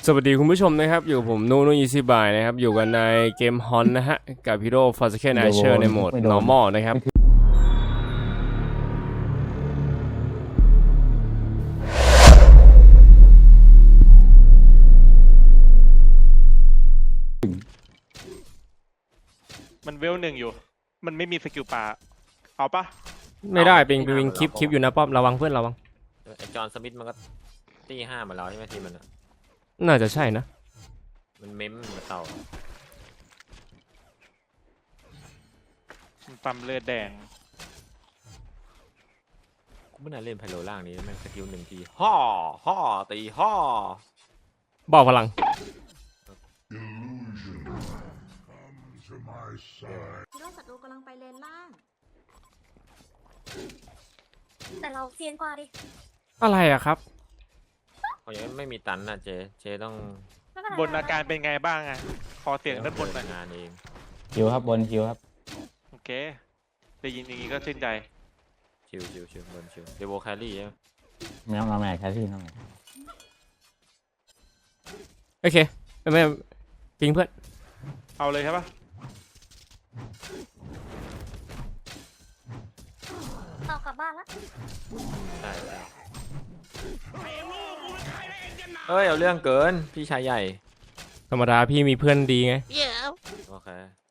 สวัสดีคุณผู้ชมนะครับอยู่ผมนูนูอีซี่บายนะครับอยู่กันในเกมฮอนนะฮะกับฮีโร่ฟอร์สเคนไอเชอร์ในโหมด normal นะครับมันเวลหนึ่งอยู่มันไม่มีสกิลป่าเอาปะไม่ได้เป็นวิงคลิปอยู่นะป๊อประวังเพื่อนระวังไอจอห์นสมิธมันก็ตี5มาแล้วใช่ไหมทีมันน่าจะใช่นะมันเม้มมาเต่ามันปั๊มเลือดแดงกูไม่น่าเล่นไพโลล่างนี้แม่งสกิล1 ทีห่อตีห่อบอกพลังคิดว่าศัตรูกำลังไปเลนล่าง แต่เราเซียนกว่าดิอะไรอะครับเขายังไม่มีตันนะเจต้องบนอาการเป็นไงบ้างอะขอเสียงด้านบนหน่อยงานเองคิวครับบนคิวครับโอเคได้ยินอย่างนี้ก็ชื่นใจชิวบนชิวเดโวแครี่ใช่ไหมไม่ต้องมาแม่แค่ที่น้องโอเคไม่ปิงเพื่อนเอาเลยใช่ปะเรากลับบ้านละใช่เอ้ยเอาเรื่องเกินพี่ชายใหญ่ธรรมดาพี่มีเพื่อนดีไงโอเค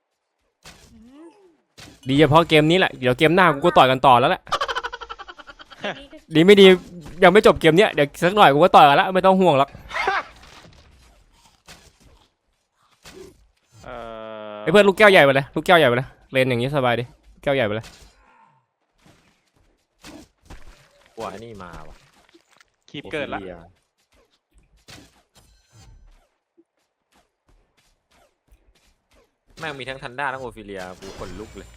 ดีเฉพาะเกมนี้แหละเดี๋ยวเกมหน้ากูก็ต่อยกันต่อแล้วแหละดีไม่ดียังไม่จบเกมเนี้ยเดี๋ยวสักหน่อยกูก็ต่อยกันแล้วไม่ต้องห่วงหรอกไอ้เพื่อนลูกแก้วใหญ่ไปเลยลูกแก้วใหญ่ไปเลยเลนอย่างนี้สบายดิแก้วใหญ่ไปเลยกว่านี่มาว่ะคีบเกิดละแม่งมีทั้งทันด้าทั้งโอฟิเลียกูขนลุกเลย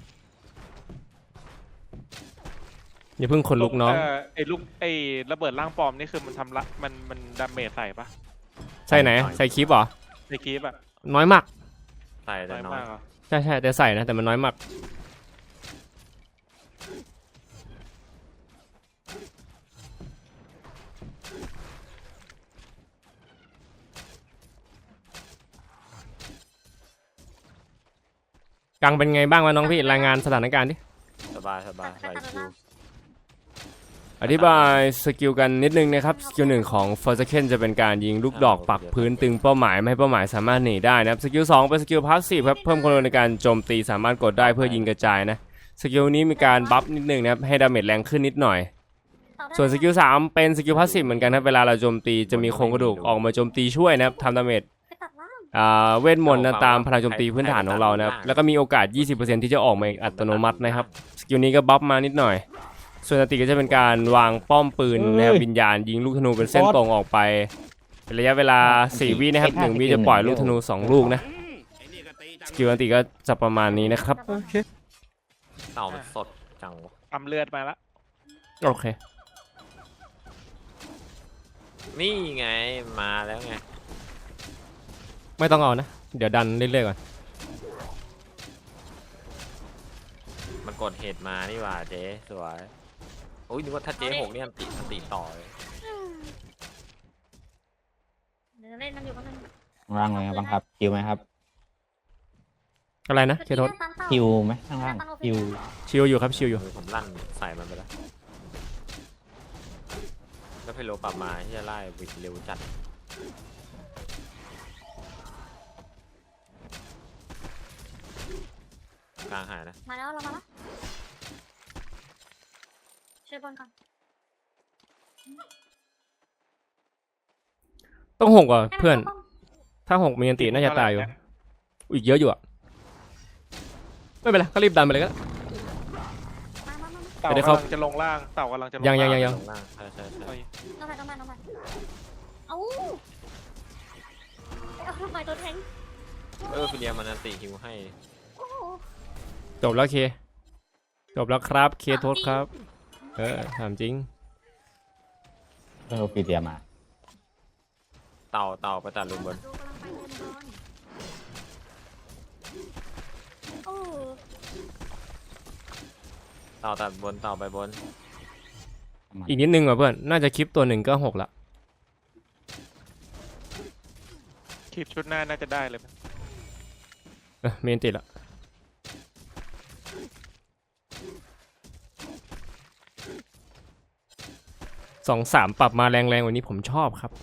อย่าเพิ่งขนลุกน้องไอ้ระเบิดร่างปลอมนี่คือมันทำละมันดาเมจใส่ปะใส่ไหนใส่คลิปเหรอใส่คลิปอะน้อยมากใส่แต่น้อยใช่แต่ใส่นะแต่มันน้อยมากกังเป็นไงบ้างวะน้องพี่รายงานสถานการณ์ดิสบายไหลชิวอธิบายสกิลกันนิดนึงนะครับสกิล1ของ Forsaken จะเป็นการยิงลูกดอกปักพื้นตึงเป้าหมายไม่ให้เป้าหมายสามารถหนีได้นะครับสกิล2เป็นสกิลพาสซีฟครับเพิ่มความเร็วในการโจมตีสามารถกดได้เพื่อยิงกระจายนะสกิลนี้มีการบัฟนิดนึงนะครับให้ดาเมจแรงขึ้นนิดหน่อยส่วนสกิล3เป็นสกิลพาสซีฟเหมือนกันครับเวลาเราโจมตีจะมีโครงกระดูกออกมาโจมตีช่วยนะครับทำดาเมจเวทมนต์นะตามพลังโจมตีพื้นฐานของเรานะครับแล้วก็มีโอกาส 20% ที่จะออกมาอัตโนมัตินะครับสกิลนี้ก็บัฟมานิดหน่อยส่วนสติก็จะเป็นการวางป้อมปืนนะครับวิญญาณยิงลูกธนูเป็นเส้นตรงออกไปเป็นระยะเวลา4 วินะครับ1 วิจะปล่อยลูกธนู2 ลูกนะสกิลอันติก็จะประมาณนี้นะครับโอเคเต่ามันสดจังปั๊มเลือดมาละโอเคนี่ไงมาแล้วไงไม่ต้องเอานะเดี๋ยวดันเรื่อยๆก่อนมันกดเหตุมานี่ว่าเจ๊สวยโอ้ยนึกว่าถ้าเจ๊6เนี่ยมันติต่อเลยเดี๋ยวเล่นมันอยู่กันนึงล่างเลยบังคับคิวไหมครับอะไรนะเคโทษคิวไหมข้างล่างคิวชิลอยู่ครับชิลอยู่ผมลั่นใส่มันไปแล้วแล้วเพโลปรับมาที่จะไล่วิดเร็วจัดกลางหายนะมาแล้วเรามาแล้วช่วยบอลก่อนต้อง6อ่ะเพื่อนถ้า6มีอันติน่าจะตายอยู่อีกเยอะอยู่อ่ะไม่เป็นไรก็รีบดันไปเลยก็เต่ากำลังจะลงล่างเต่ากำลังจะลงยังใช่ต้องไปเอ้าทำไมตัวแทงฟิเลียมันอันติฮิวให้จบแล้วเคจบแล้วครับเคโทษครับถามจริงฟีเดียมาเต่าไปตัดลุมบนเต่าตัดบนเต่าไปบนอีกนิดนึงว่ะเพื่อนน่าจะคลิปตัว1ก็6ละคลิปชุดหน้าน่าจะได้เลยมั้ยเมนติดละ2-3ปรับมาแรงๆวันนี้ผมชอบครับ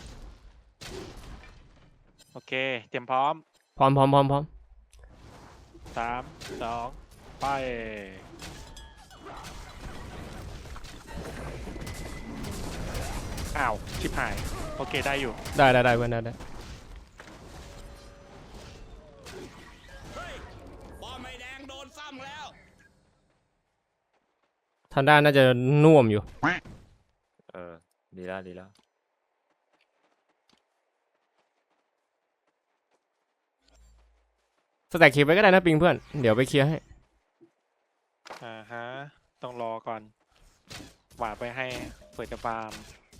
โอเคเตรียมพร้อมพร้อม 3 2 ไปอ้าวชิบหายโอเคได้อยู่ได้เพื่อนได้ทันด้าน่าจะน่วมอยู่เออดีแล้วสแต็กคลิปไว้ก็ได้นะปิงเพื่อนเดี๋ยวไปเคลียร์ให้ฮะต้องรอก่อนหวาดไปให้เปิดจะฟาร์ม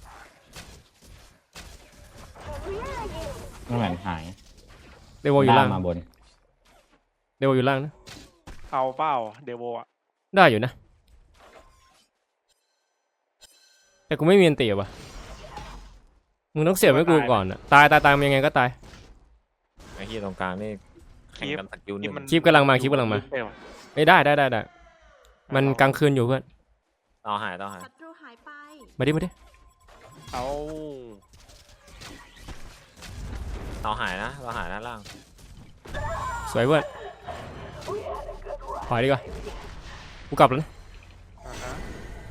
น้ำแหวนหายเดโวอยู่ล่างมาบนเดโวอยู่ล่างนะเอาเปล่าเดโวอะได้อยู่นะ แต่กูไม่มีอันตีว่ะมึงต้องเสียบให้กูก่อนอะตายมันยังไงก็ตายไอ้ที่ตรงกลางนี่แข่งกันสกิลหนึ่งคลิปกำลังมา ไม่ได้มันกลางคืนอยู่เพื่อนต่อหายศัตรูหายไปมาดิเอาต่อหายนะล่างสวยเพื่อนถอยดีกว่ากูกลับแล้วนะฮะ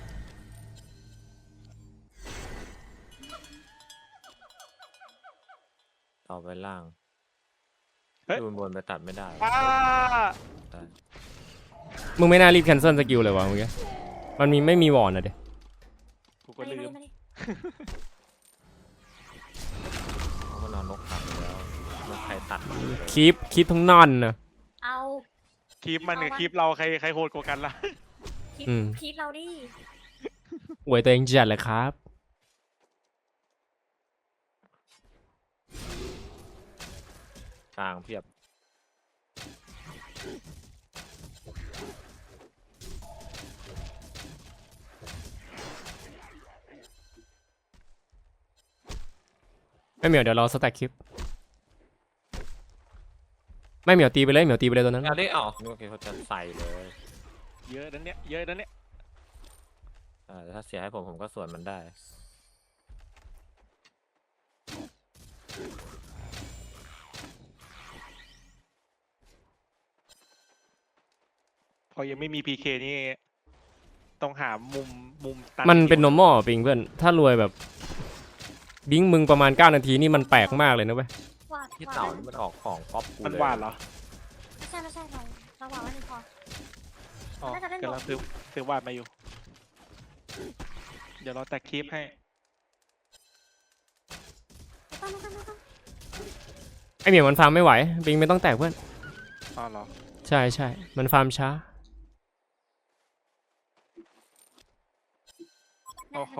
ต่อไปล่างเฮ้ยดูบนไปตัดไม่ได้อ้าได้มึงไม่น่ารีบแคนเซิลสกิลเลยวะเมื่อกี้มันไม่มีวอร์นอะเด็กูก็มาดิลืมมาดิเพราะมันนอนนกตัดไปแล้วนกใครตัดคลิปทั้งนั่นนะเอาคลิปมันกับคลิปเราใครโหดกว่ากันล่ะพีทอืมพีทเราดิอวยตัวเองจัดเลยครับกลางเพียบไม่เหมียวเดี๋ยวรอสแต็กคลิปไม่เหมียวตีไปเลยตัวนั้นอันนี้อ๋อนึกว่าเขาจะใส่เลยเยอะนั้นเนี่ยแต่ถ้าเสียให้ผมก็ส่วนมันได้พอยังไม่มี PK นี่ต้องหามุมตัดมันเป็น normal ปิงเพื่อนถ้ารวยแบบบิงมึงประมาณ9นาทีนี่มันแปลกมากเลยนะเว้ยหวาดที่หวาดเต่านี่มันออกของก๊อปกูมันเลยหวานเหรอไม่ใช่เราหวาดว่าหนึ่งพออ๋อน่าจะเล่นกำลังซื้อหวานมาอยู่ เดี๋ยวเราแตกคลิปให้ไม่ต้องไอเหมียวมันฟาร์มไม่ไหวบิงไม่ต้องแตกเพื่อนอ๋อเหรอใช่มันฟาร์มช้าโอ้โห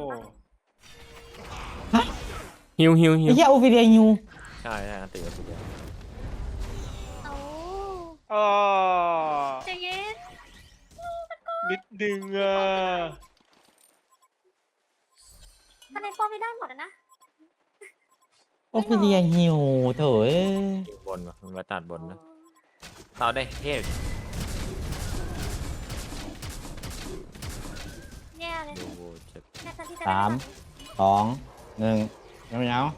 ฮิวไอ้เหี้ยโอฟิเดียยูใช่อันติดทีเดียวเอาอ๋อใจเย็นนิดนึงอ่ะคะแนนป้อมไม่ได้หมดอะนะโอฟิเดียยูโถ่เอ้ยอยู่บนวะมันไปตัดบนนะเต่าได้เทพแย่เลยดูเจ็บแค่ทันที่จะ 3 2 1ยังไม่เอา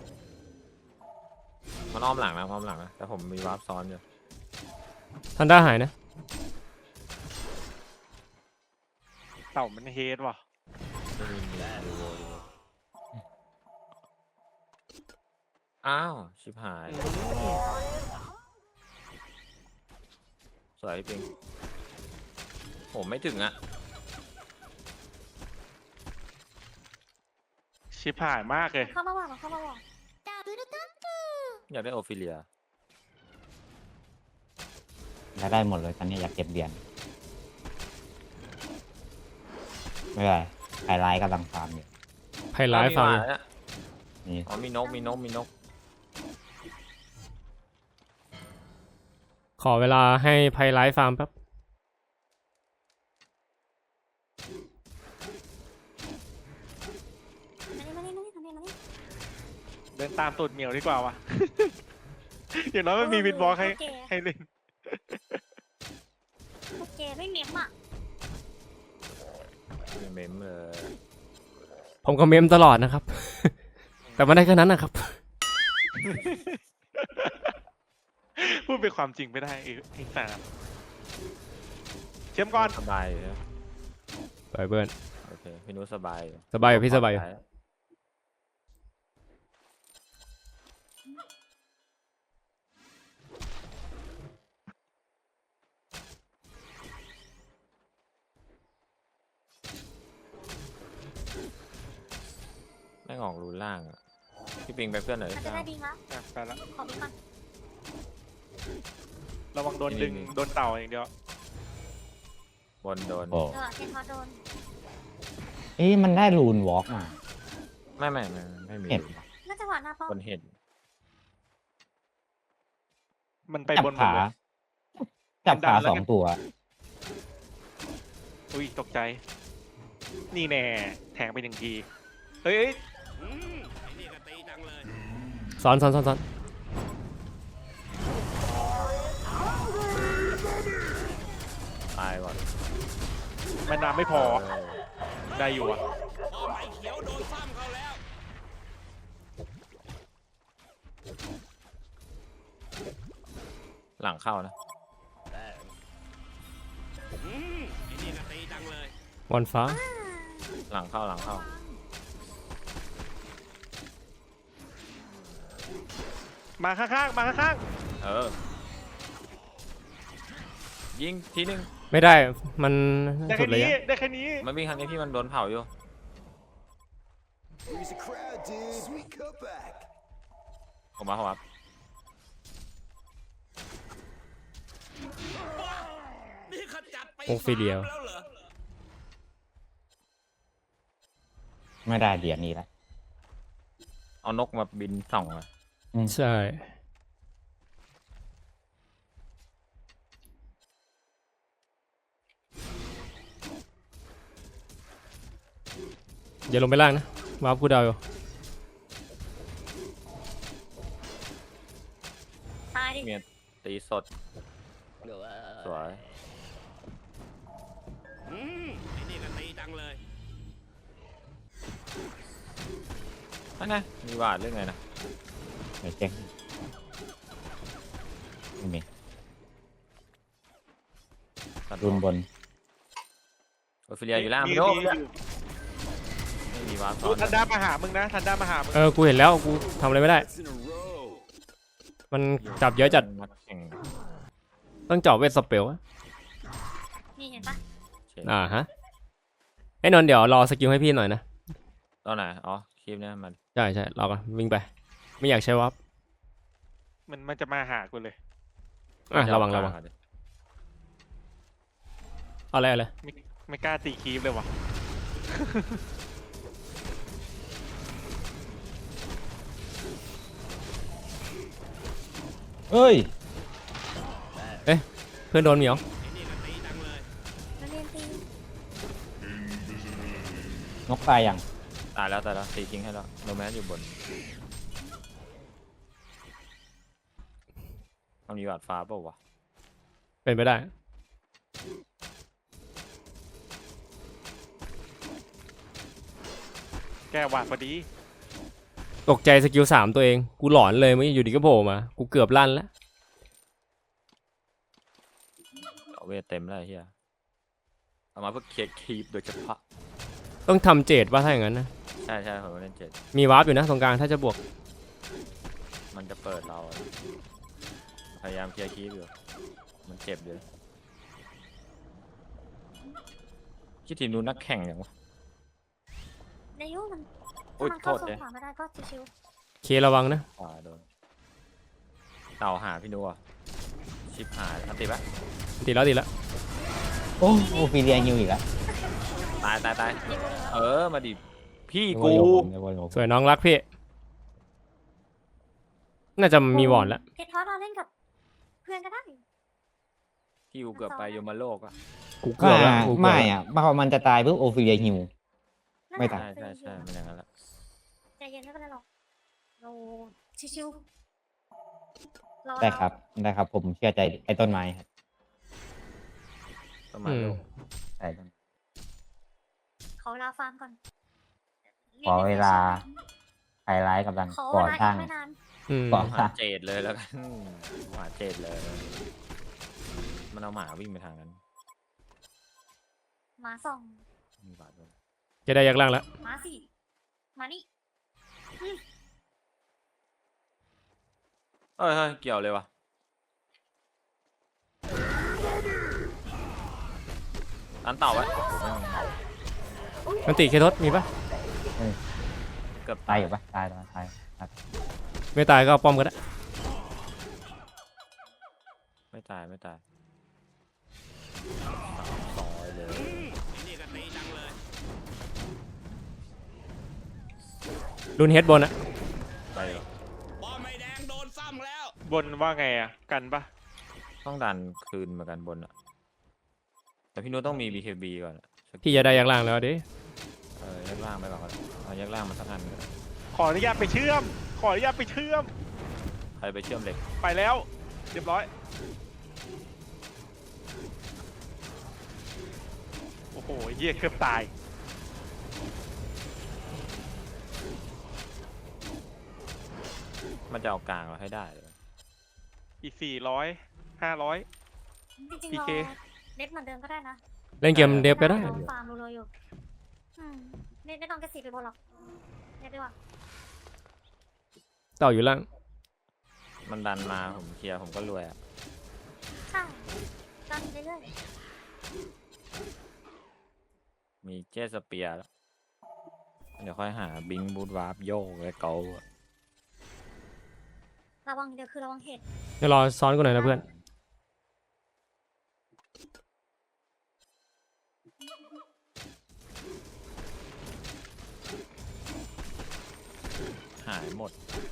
มันอ้อมหลังนะแต่ผมมีวาร์ปซ้อนอยู่ทันด้าหายนะเต่ามันเฮดว่ะไม่มีดูอ้าวชิบหายสวยจริงผมไม่ถึงอ่ะชิบหายมากเลยเข้ามาหวาดอยากได้โอฟิเลียอยากได้หมดเลยตอนนี้อยากเก็บเหรียญไม่เป็นไรไฮไลท์กำลังฟาร์มอยู่ไพไลฟ์ฟาร์มนี่อ๋อมีนกขอเวลาให้ไพไลฟ์ฟาร์มแป๊บมานี่เดินตามตูดเหมียวดีกว่าวะอย่างน้อยมันมีวินบอลให้เล่นโอเคไม่เมมอ่ะไม่เมมเลยผมก็เมมตลอดนะครับ แต่ไม่ได้แค่นั้นนะครับพูดเป็นความจริงไม่ได้ไอ้สามเชื่อมก่อนสบายอยู่นะไปเบิร์นโอเคพี่นุ้สบายอยู่สบายอยู่พี่สบายอยู่ไม่งออกรูนล่างอะพี่ปิงไปเพื่อนหน่อยมันจะได้ดีมั้ยอ่ะไปละขอไปก่อนระวังโดนดึงโดนเต่าอย่างเดียวบนโดนโอ้เทนพอโดนเอ๊ะมันได้รูนวอล์กมาไม่มีเห็นน่าจะหวานหน้าป้อมบนเห็ดมันไปจับบนหมดขาเลยจับขาแล้วสองตัวอุ้ยตกใจ นี่แน่แทงไปหนึ่งทีเฮ้ยซ้อนตายก่อนแม่น้ำไม่พอเออได้อยู่อ่ะหลังเข้านะวันฟ้าหลังเข้ามาข้างๆมาข้างเออ ยิงทีนึงไม่ได้ มันๆได้สุแค่ดเลยนี้อะได้แค่นี้มันวิ่งทางนี้พี่มันโดนเผาอยู่ Here's a crowd, dude. Sweet cutback. ผมมาโอฟิเลียไม่ได้เหรียญนี้ละเอานกมาบินส่องอะใช่ อย่าลงไปล่างนะวาร์ปกูดาวอยู่ตายดิเมียตีสดสวยนั่นไงมีวาดเรื่องไงนะไม่เจ๊งไม่มีตัดรูนบนโอฟิเลียอยู่ล่างมีพี่โน้อยู่ไม่มีวาดซ้ดูอนทันด้ามาหามึงนะทันด้ามาหามึงกูเห็นแล้วกูทำอะไรไม่ได้ That's in a row. มันจับเยอะจัดนักแข่งต้องเจาะเวทสเปลอะนี่เห็นปะเฉยฮะไอ้นนท์เดี๋ยวรอสกิลให้พี่หน่อยนะตอนไหนอ๋อคลิปเนี้ยมันใช่รอก่อนวิ่งไป ไม่อยากใช้วาร์ปมันจะมาหากูเลยระวังเอาดิเอาอะไรไม่กล้าตีคีฟเลยว่ะเอ้ยเพื่อนโดนเหมียวมันเรียนตีนกตายยังตายแล้วตีทิ้งให้แล้วโนแมสอยู่บนมันมีวาดฟ้าเปล่าวะเป็นไปได้แก้หวาดพอดีตกใจสกิล3ตัวเอง กูหลอนเลยเมื่อกี้อยู่ดีก็โผล่มา กูเกือบลั่นแล้วเอาเวทเต็มแล้วไอ้เฮียเอามาเพื่อเคลียร์คีปโดยเฉพาะต้องทำเจดว่าถ้าอย่างนั้นนะใช่ผมเล่นเจ็ดมีวาร์ปอยู่นะตรงกลางถ้าจะบวกมันจะเปิดเราอะพยายามเคลียร์คีปอยู่มันเจ็บเลยคิดทีมนู้นนักแข่งอย่างวะในยุมันอุ๊ยถ้ามันเข้าโทษโซเจ๊นขวาไม่ได้ก็ชิวเคระวังนะโดนเต่าหาพี่นัวชิบหายอันติปะติดแล้วโอ้โอฟิเลียฮิวอีกแล้วตายเออมาดิพี่นึกูว่าโยมนึกว่าโยมสวยน้องรักพี่ น่าจะมีวอร์ดแล้วๆเพชรทอสเราเล่นกับเพื่อนก็ได้พี่กูเกือบไปโยมโลกอะกูเกือบแล้วกูเกือบไม่แล้วอ่ะพอมันจะตายปุ๊บโอฟิเลียฮิว ไม่ตายใช่มันอย่างนั้นแหละใจเย็นไม่เป็นไรหรอกเราชิวรอได้ครับได้ครับ ผมเชื่อใจไอ้ต้นไม้ครับประมาณลูกใช่ต้นขอเวลาฟังก่อนขอเวลาไฮไลท์กำลังขอเวก่อลาสร้างอีกไม่นานก่อสหาร้างเจดเลยแล้วกันหาเจดเลย มันเอาหมาวิ่งไปทางนั้นหมาส่องมีบาดด้วยจะได้ยักษ์ล่างแล้วหมาสี่มานี่เฮ้ยเกี่ยวเลยวะอันเต่าไว้มันติเคทศมีปะเกือบตายอยู่ปะตายตายตายไม่ตายก็เอาป้อมก็ได้ไม่ตายต่อยเลยรุนเฮดบนอะไปเลยบนว่าไงอ่ะ กันปะต้องดันคืนเหมือนกันบนอะแต่พี่นุ้ต้องมี BKB ก่อนอะพี่จะได้ยักษ์ล่างแล้วดิแยกล่างไปก่อนก็ได้เอาแยกล่างมาสักอันก็ได้ขออนุญาตไปเชื่อม ขออนุญาตไปเชื่อมใครไปเชื่อมเหล็กไปแล้ว เรียบร้อย โอ้โหเหี้ยเกือบตายมันจะเอากลางเราให้ได้เลยอีก400 500 จริงๆ PK รอเน็ตเหมือนเดิมก็ได้นะเล่นเกมเดฟก็ได้ลองฟาร์มรัวๆอยู่เน็ตไม่ต้องกระสีไปบนหรอกเน็ตดีกว่าเต่าอยู่ล่างมันดันมาผมเคลียร์ผมก็รวยอะใช่ดันเรื่อยมีเจสเปียร์แล้วเดี๋ยวค่อยหาบิงบูทวาร์ปโยกและเกาอะๆระวังเดี๋ยวคือระวังเหตุเดี๋ยวรอซ้อนกูหน่อยนะเพื่อนหายหมด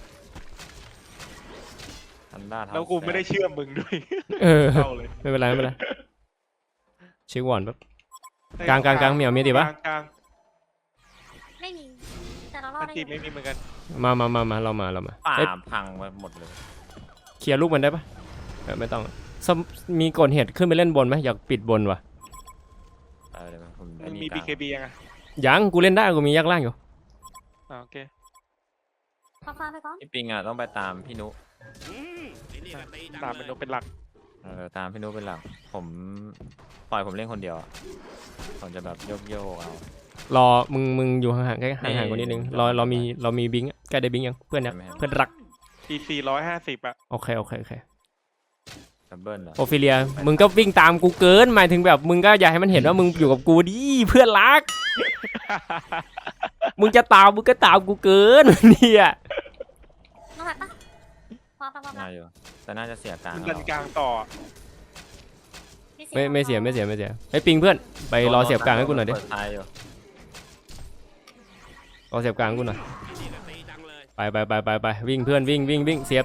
ทันด้าแล้วกูไม่ได้เชื่อมมึงด้วยเออเข้าเลยไม่เป็นไรไม่เป็นไรเช็ควอนแป๊บ กลางเหมียวมีดิปะกลางไม่มีแต่เรารออัดนได้ตีอยู่ไม่มีเหมือนกันมาเรามาป่าเอ้ยพังไปหมดเลยเคลียร์ลูกมันได้ปะไม่ต้องมีกดเหตุขึ้นไปเล่นบนไหมอยากปิดบนวะเลยผมมึงมีกลาง BKB ยังอ่ะยังกูเล่นได้กูมียักษ์ล่างอยู่โอเคขอฟาร์มไปก่อนพี่ปิงอ่ะต้องไปตามพี่นุตามเป็นนกเป็นหลักตามพี่นุเป็นหลักผมปล่อยผมเล่นคนเดียวอะผมจะแบบโยกเอารอมึงอยู่ห่างๆใกล้ห่างๆกว่านิดนึงเรามีบิงค์ใกล้ได้บิงค์ยังเพื่อนเนี่ยใช่ไหมครับเพื่อนรักอี450อ่ะโอเคดับเบิลเหรอโอฟิเลียมึงก็วิ่งตามกูเกินหมายถึงแบบมึงก็อยากให้มันเห็นว่ามึงอยู่กับกูดิเพื่อนรัก มึงจะตามมึงก็ตามกูเกิน เนี่ยน้องหัดปะพอน่าอยู่แต่น่าจะเสียกลางมึงแล้ดัวนกลางต่อไม่เสียไอ้ปิงเพื่อนไปรอเสียบกลางให้กูหน่อยดิเปิดท้ายอยู่รอเสียบกลางให้กูหน่อยไปวิ่งเพื่อนวิ่งเสียบ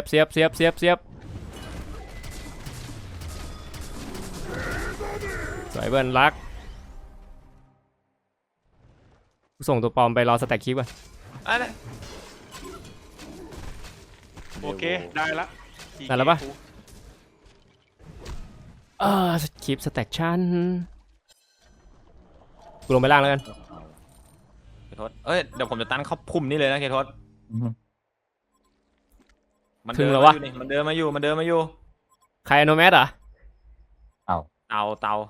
สวยเพื่อนรักส่งตัวปลอมไปรอสแต็กคลิปก่อนอะไรโอเค ได้ละได้แล้วปะ คลิปสแต็กชั่นกูลงไปล่างแล้วกันเคทศเอ้ยเดี๋ยวผมจะตั้นเข้าพุ่มนี่เลยนะเคทศอือฮึมันถึเดิงนแล้วะมาวอยู่นี่มันเดินมาอยู่ใครอโนแมสเหรอเตา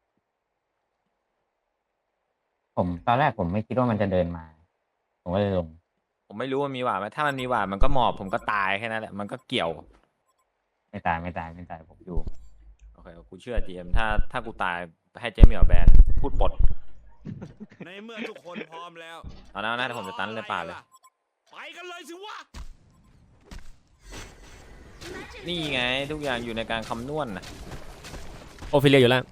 ผมตอนแรกผมไม่คิดว่ามันจะเดินมา ผมก็เลยลงผมไม่รู้ว่ามีหวาดไหมถ้ามันมีหวาดมันก็หมอบผมก็ตายแค่นั้นแหละมันก็เกี่ยวไม่ตายผมอยู่โอเคกูเชื่อเจมถ้ากูตายให้เจมเหมียวแบนพูดปลดในเมื่อทุกคนพร้อมแล้วเอานะเดี๋ยวผมจะตั้นเลยป่าเลยไปกันเลยสิวะนี่ไงทุกอย่างอยู่ในการคำนวณนะโอฟิเลียอยู่ล่าง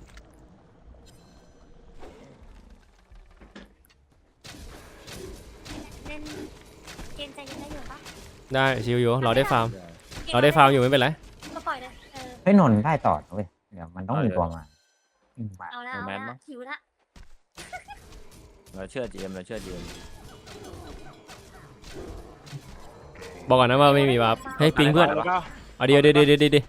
เล่นเกมใจเย็นได้อยู่ปะได้ชิวอยู่รอได้ฟาร์มอยู่ไม่เป็นไรก็ปล่อยเลยเฮ้ยนนท์ได้ต่อเว้ยเดี๋ยวมันต้องมีตัวมามาเอาแล้วหิวละเราเชื่อเจมบอกก่อนนะว่าไม่มีวาร์ปให้ปิงเพื่อนแล้วก็เอาเอาเดี๋ยว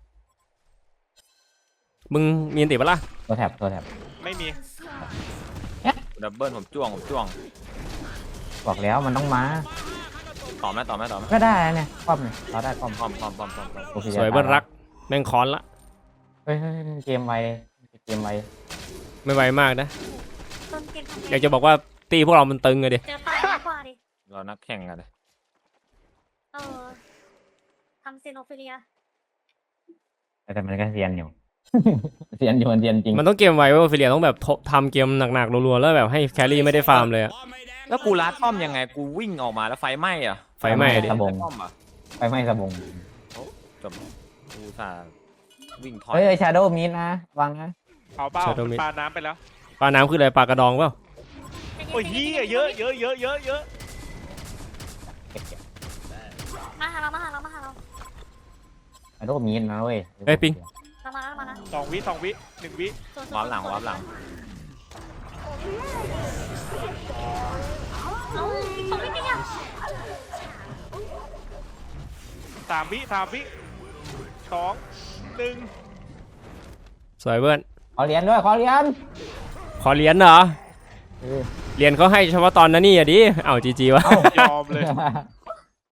มึงมีอันติปะล่ะตัวแท็บไม่มีดับเบิลผมจ้วงบอกแล้วมันต้องมาต่อไหมก็ได้นะเนี่ยป้อมเนี่ยเราได้ป้อมพร้อมโอเคสวยเบิ้ลรักแม่งคอนละเฮ้ยเกมไวไม่ไวมากนะต้นเกมทำอยากจะบอกว่าตีพวกเรามันตึงอะดิเจอตายมากกว่าดิเรานักแข่งกันเลยเออทำเซโนฟิเลียแต่มันก็เซียนอยู่ เซียนอยู่มันเซียนจริงมันต้องเกมไวเว้ยฟิเลียต้องแบบทำเกมหนักๆรัวๆแล้วแบบให้แครี่ไม่ได้ฟาร์มเลยอะแล้วกูลัดป้อมยังไงกูวิ่งออกมาแล้วไฟไหม้อะไฟไหม้ดิสบงป้อมอะไปไหม้สบงจบกูสาวิ่งถอยเฮ้ยชาโดว์มิดนะวางนะเอาเป้ามันปาน้ำไปแล้วปลาน้ำคืออะไรปลากระดองเปล่าโอ้ยเหี้ยเยอะมาหาเราชาโดว์มิดนะเว้ยเอ้ยปิงมานะ 2 วิ 1 วิวาร์ปหลังเอ้าตรงนี้เนี่ย 3 วิ 2 1 สวยเบิ้ลขอเหรียญด้วยขอเหรียญขอเหรียญเหรอเออเหรียญเขาให้เฉพาะตอนนั้นนี่อะดิเอ้าจีวะเอ้ายอมเลย